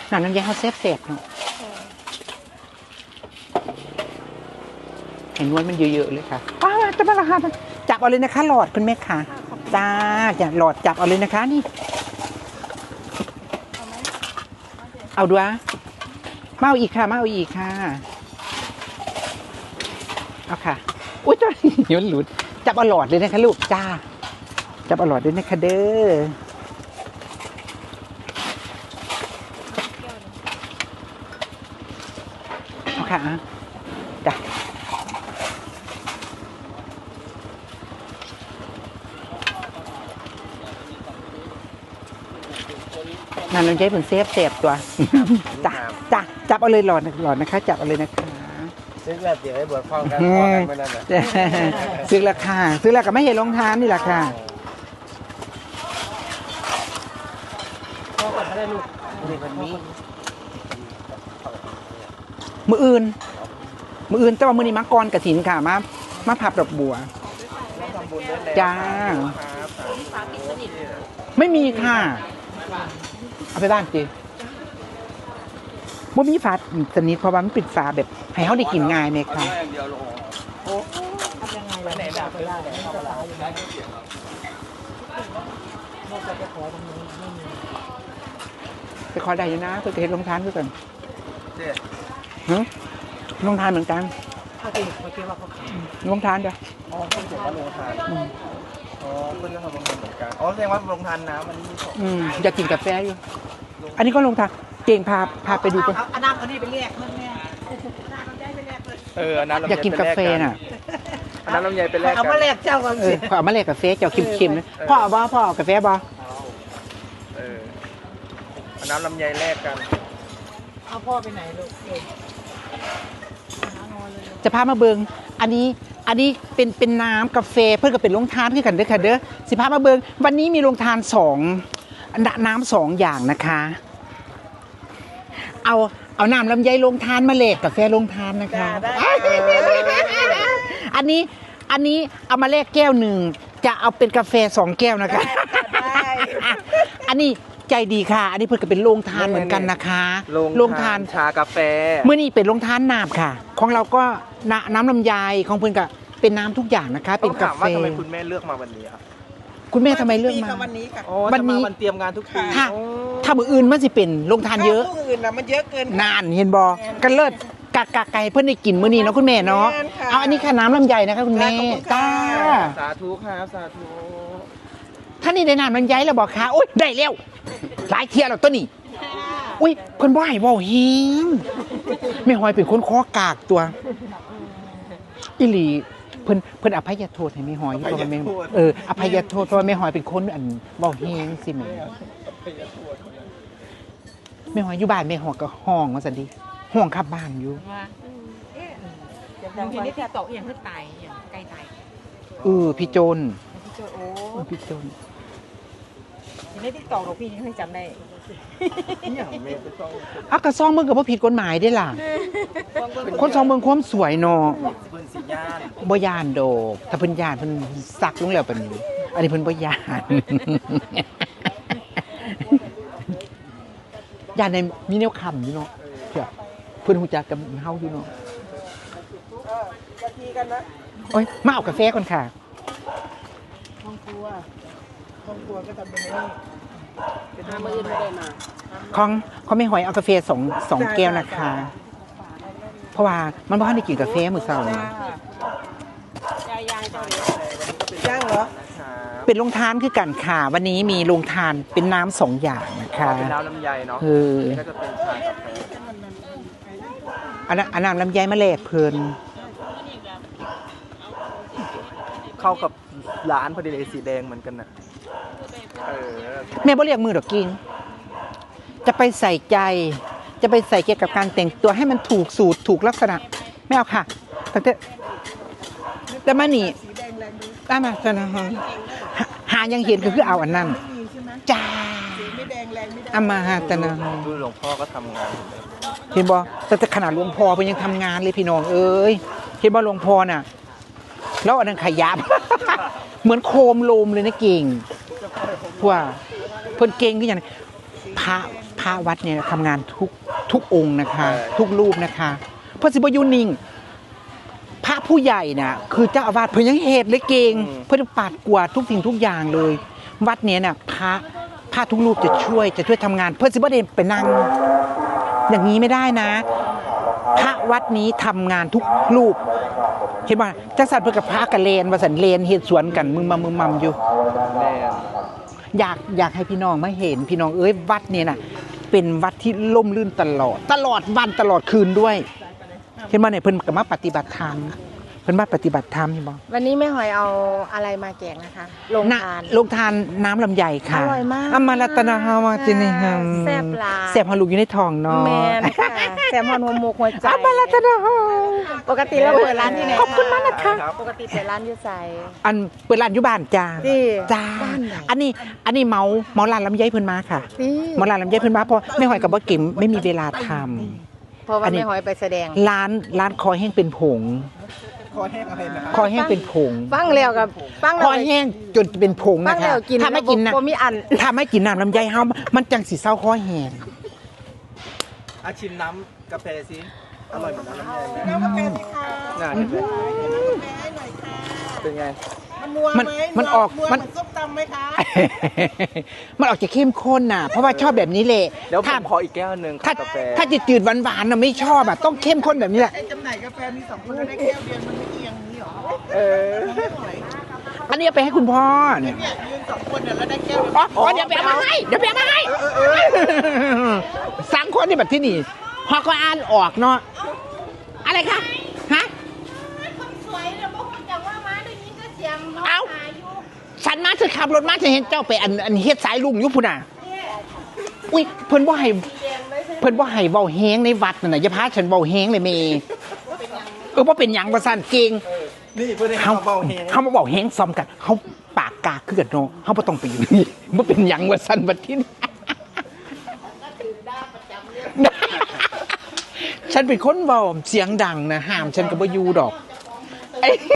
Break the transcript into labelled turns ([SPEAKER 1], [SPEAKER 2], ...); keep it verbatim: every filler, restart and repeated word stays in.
[SPEAKER 1] หนังน้ำยาเขาเซฟเซฟเนาะเห็นนวลมันเยอะๆเลยค่ะว้าวจะมาราคาจับเอาเลยนะคะหลอดคุณแม่ค่ะจ้าอย่าหลอดจับเอาเลยนะคะนี่เอาด้วยมาเอาอีกค่ะมาเอาอีกค่ะเอาค่ะอุ้ยจ้าเดี๋ยวหลุดจับเอาหลอดเลยนะคะลูกจ้าจับเอาหลอดด้วยนะคะเด้อเอาค่ะจ้ะนั่นเราใช้ผลเซฟเซฟตัวจ้ะจ้ะจับเอาเลยหลอดหลอดนะคะจับเอาเลยนะคะ
[SPEAKER 2] ซื้อแบบเดี๋ยวให้บวชพร้อมกันพร้อมกันไม่นั่นแหละ
[SPEAKER 1] ซื้อราคาซื้อราคาไม่เห็นลงทานนี่แหละค่ะ
[SPEAKER 2] พอก่อนก็ได้ลูกนี่มันมี
[SPEAKER 1] มืออื่นมืออื่นแต่ว่ามือนี้มักกรกระถินค่ะมามาผับดอกบัวจ้าไม่มีค่ะเอาไปบ้านจีบ่มีฝาสนิทเพราะว่ามันปิดฝาแบบให้เขาได้กินง่ายไหมคะไปขอได้อยู่นะเพื่อจะเห็นลงทานด้วยกันฮึลงทานเหมือนกันลงทานเดี๋ยว
[SPEAKER 2] อ๋อเพิ่งเขียนว่าลงทานอ๋อเพิ่งจะทำลงทานเหมือนกันอ๋อแสดงว่าลงทานน้ำมัน
[SPEAKER 1] อืมอยากกินกาแฟอยู่อันนี้ก็ลงทานเก่งพาพาไปดูกัน
[SPEAKER 3] อันน้ำอันนี้ไปเรียกเพื่อนแม่น้ำลำไยไปเรียกเลย
[SPEAKER 2] เอออันนั้น
[SPEAKER 1] อยากกินกาแฟน่ะ
[SPEAKER 2] อันนั้นลำไยไปแลก
[SPEAKER 3] เอามาแลกเจ้ากันสิ
[SPEAKER 1] เอามาแลกกาแฟเจ้าเค็มๆนะพ่อเอาบ่พ่อเอากาแฟบ่
[SPEAKER 2] เอออันนั้นลำไยแลกกัน
[SPEAKER 3] เอาพ่อไปไหนลูก
[SPEAKER 1] จะพามาเบิงอันนี้อันนี้เป็นเป็นน้ำกาแฟเพื่อนก็เป็นโรงทานคือกันเด้อค่ะเด้อสิพามาเบิงวันนี้มีโรงทานสองน้ำสองอย่างนะคะเอาเอาน้ำลำไยโรงทานมาแลกกาแฟโรงทานนะคะอันนี้อันนี้เอามาแลกแก้วหนึ่งจะเอาเป็นกาแฟสองแก้วนะคะอันนี้ใจดีค่ะอันนี้เพื่อนก็เป็นโรงทานเหมือนกันนะคะ
[SPEAKER 2] โรงทานชากาแฟ
[SPEAKER 1] เมื่อนี้เป็นโรงทานน้ำค่ะของเราก็น้ำลำไยของเพื่อนก็เป็นน้ำทุกอย่างนะคะเป็นกาแฟ
[SPEAKER 2] ว่าทำไมคุณแม่เลือกมาวันนี้ครับ
[SPEAKER 1] คุณแม่ทำไมเลือกมา
[SPEAKER 3] วันนี้ค่ะ
[SPEAKER 1] วันนี้
[SPEAKER 2] วันเตรียมงานทุกปี
[SPEAKER 1] ถ้าถ้ามืออื่นมันสิเป็นโรงทานเยอะ
[SPEAKER 3] มืออื่นนะมันเยอะเกิน
[SPEAKER 1] นานเห็นบอกันเลิศกากาไก่เพื่อนได้กินมื้อนี้เนาะคุณแม่เนาะเอาอันนี้ค่ะน้ำลำไยนะคะคุณแม่จ้า
[SPEAKER 2] สาธุครับสาธุ
[SPEAKER 1] ท่านนี่ได้น้ำลำไยแล้วบอกค่ะโอ๊ยได้แล้วหลายเที่ยแล้วตัวนี้อุ้ยเพิ่นบ่ให้เว้าเฮงแม่หอยเป็นคนคอกากตัวอีหลีเพิ่นเพิ่นอภัยโทษให้แม่หอยเพราะว่าแม่เอออภัยโทษเพราะว่าแม่หอยเป็นคนอันเว้าเฮงสิแม่แม่หอยอยู่บ้านแม่หอยก็ห้องว่าซั่นดิห้องขับบ้านอยู่
[SPEAKER 3] บางทีนี่ที่ตกอย่างเพิ่งตายอย่างใกล้ตาย
[SPEAKER 1] เออพี่โจน
[SPEAKER 3] พี่โจนโอ้
[SPEAKER 1] พี่โจน
[SPEAKER 3] ทีนี้ที่ตกหรอกพี่ยังจำได้
[SPEAKER 1] อ่ะกระซ่องเมืองกับว่าผิดกฎหมายได้ล่ะคนซองเมืองความสวยเนาะบ่ยานโดกถ้าเพิ่นยานเพิ่นซักลงแล้วเป็นอันนี้เพิ่นบ่ยานยานในมีแนวคำอยู่เนาะเพิ่นฮู้จักกับเฮาอยู่เนาะโอ๊ยมาเอากาแฟก่อนค่ะ
[SPEAKER 3] ห้องครัวห้องครัวก็ทำเป็นนี่เป็นทำมือไม่ได้มา
[SPEAKER 1] ของเขาไม่หอยเอากาแฟสองสองแก้วนะคะเพราะว่ามันบ่ทันได้กินกาแฟมื้อเช้านี่
[SPEAKER 3] ย่างเหรอ
[SPEAKER 1] เป็นโรงทานคือกันค่ะวันนี้มีโรงทานเป็นน้ำสองอย่างนะคะ
[SPEAKER 2] เป็นน้ำลำไยเนาะ
[SPEAKER 1] เออ
[SPEAKER 2] ก็จะเป็นชากาแฟ
[SPEAKER 1] อันนั้นอันน้ำลำไยมาแลกเพิ่น
[SPEAKER 2] เข้ากับร้านพอดีเลยสีแดงเหมือนกันน่ะเออ
[SPEAKER 1] แม่บ่เรียกมือดอกกิ้งจะไปใส่ใจจะไปใส่เกี่ยวกับการแต่งตัวให้มันถูกสูตรถูกลักษณะไม่เอาค่ะตั้งแต่แต่มานี่ได้มาซะนะฮะหายังเห็นก็คือเอาอันนั้นจ้าเอามาฮะแต่นะ
[SPEAKER 2] ดูหลวงพ่อก็ทำงาน
[SPEAKER 1] เห็นบ่แต่ขนาดหลวงพ่อเพิ่นยังทำงานเลยพี่น้องเอ้ยเห็นบ่หลวงพ่อน่ะแล้วอันนั้นขยับเหมือนโคมโลมเลยนะเก่งว่าเพิ่นเก่งคือหยังพระพระวัดเนี่ยทำงานทุกทุกองค์นะคะ ทุกรูปนะคะเพราะสิบอยูนิ่งพระผู้ใหญ่น่ะคือเจ้าอาวาสเพิ่นยังเหตุเลยเก่งเพิ่นปาดกวาดทุกสิ่งทุกอย่างเลย วัดเนี้ยน่ะพระพระทุกรูปจะช่วยจะช่วยทำงาน เพื่อสิบ่ได้ไปนั่งอย่างนี้ไม่ได้นะ พระวัดนี้ทำงานทุกรูปเห็นป่ะจักสันเพื่อกับพระกับเลนว่าสันเลนเฮ็ดสวนกันมึงมามึงมัมอยู่
[SPEAKER 2] แม่น
[SPEAKER 1] อยากอยากให้พี่น้องมาเห็นพี่น้องเอ้ยวัดเนี่ยน่ะเป็นวัดที่ล่มลื่นตลอด ตลอดวันตลอดคืนด้วย เห็นป่ะเนี่ยเพิ่นก็มาปฏิบัติธรรมเพิ่นมาปฏิบัติธรรมเห็นบ่
[SPEAKER 3] วันนี้แม่หอยเอาอะไรมาแจกนะคะลง
[SPEAKER 1] น่ะ
[SPEAKER 3] ทาน
[SPEAKER 1] ลงทานน้ำลำไยค่ะ
[SPEAKER 3] อร่อยมาก
[SPEAKER 1] อมารัตนาฮาวาจินิฮัม
[SPEAKER 3] แซ่บหลาย
[SPEAKER 1] แซ่บฮาลูกอยู่ในท้องเนาะ
[SPEAKER 3] แมนค่ะแซมฮอนหัวหมกหัวใจ
[SPEAKER 1] อมารัตนาฮา
[SPEAKER 3] ปกติเราเปิดร้านที่ไหน
[SPEAKER 1] ขอบคุณมากนะคะ
[SPEAKER 3] ปกติเปิดร้านอยูไซ
[SPEAKER 1] อันเปิดร้านอยู่บ้านจ้า
[SPEAKER 3] นี่
[SPEAKER 1] จ้า
[SPEAKER 3] บ้านไหน
[SPEAKER 1] อันนี้อันนี้เมาเมาร้านลำไยเพิ่นมาค่ะ
[SPEAKER 3] นี่
[SPEAKER 1] เมาร้านลำไยเพิ่นมาเพราะไม่หอยกับบ่เก็มไม่มีเวลาทำ
[SPEAKER 3] เพราะว่า
[SPEAKER 1] อันนี้
[SPEAKER 3] แม่หอยไปแสดง
[SPEAKER 1] ร้านร้านคอแห้งเป็นผง
[SPEAKER 2] คอแห้งอะไรนะครับ
[SPEAKER 1] คอแห้งเป็นผง
[SPEAKER 3] ฟังแล้วกับฟัง
[SPEAKER 1] ค
[SPEAKER 3] แล้ว
[SPEAKER 1] อแห้งจนเป็นผง
[SPEAKER 3] ฟั
[SPEAKER 1] นะ
[SPEAKER 3] ง
[SPEAKER 1] คะ
[SPEAKER 3] แล้วกิน
[SPEAKER 1] ถ้าไม่กินนะ
[SPEAKER 3] บ่มีอัน
[SPEAKER 1] ถ้าไม่กินน้ำลำไยเฮามันจังสิเศร้าคอแห้ง
[SPEAKER 2] อาชิมน้ำกาแฟสิอร่อยเหมือนน้ำลำไยไหม
[SPEAKER 3] น้ำกาแฟสิคะ
[SPEAKER 2] น่าเห็นไหม
[SPEAKER 3] ให้หน่อยค่ะ
[SPEAKER 2] เป็นไง
[SPEAKER 3] มันมัว
[SPEAKER 1] มัน
[SPEAKER 3] ไหม
[SPEAKER 1] มันออก
[SPEAKER 3] มัว
[SPEAKER 1] มัน
[SPEAKER 3] เหมือนส้มตำไหมคะ
[SPEAKER 1] มันออกจะเข้มข้นน่ะ เพราะว่าชอบแบบนี้แหละ
[SPEAKER 2] เดี๋ยวผ
[SPEAKER 1] ถ้าม
[SPEAKER 2] ขออีกแก้วหนึ่ง
[SPEAKER 1] ถ้า
[SPEAKER 2] ค่ะกาแฟ
[SPEAKER 1] ถ้าจะจืดหวานๆน่ะไม่ชอบอ่ะต้องเข้มข้นแบบนี้แหละ
[SPEAKER 3] ไอ้จำหน่ายกาแฟมีสองคนแล้วได้แก้วเดียวมันไม่เอียงนี้หรอ
[SPEAKER 2] เออ
[SPEAKER 3] ไม่ไหว
[SPEAKER 1] อันนี้เอาไปให้คุณพ่อเนี่ย
[SPEAKER 3] เนี่ยยืนสองคนเนี่ยแล้วได้แก้วเดียว
[SPEAKER 1] อ๋ออ๋อเดี๋ยวไปเอามาให้เดี๋ยวไปเอามาให้สังคนนี่แบบที่นี่พอก็อ่านออกเนาะอะไรคะฮะ
[SPEAKER 3] คนสวยเนี่ยบอกคนจังว่ามาได้ยินก็เสียงน้อง
[SPEAKER 1] เอ้า
[SPEAKER 3] หาอยู่
[SPEAKER 1] ฉันมาเธอขับรถมาเธอเห็นเจ้าไปอันอันเฮ็ดสายลุงอยุพุ่นน่ะอุ้ยเพิ่นบ่ให้เพิ่นบ่ให้เว้าแฮงในวัดนั่นน่ะอย่าพาฉันเว้าแฮงเลยเมเออบ่เป็นหยังบ่ซั่นเก่ง
[SPEAKER 2] นี่เพื่อนให้
[SPEAKER 1] เฮา
[SPEAKER 2] เขาเบาแห้ง
[SPEAKER 1] เฮามาเว้าแฮงซ้อมกันเฮาปากกาคือกันเนาะเฮาบ่ต้องไปอยู่นี่บ่เป็นหยังว่าซั่นบัดทีนี้ ฉันเป็นคนเว้าเสียงดังนะห้ามฉันก็บ่อยู่ดอก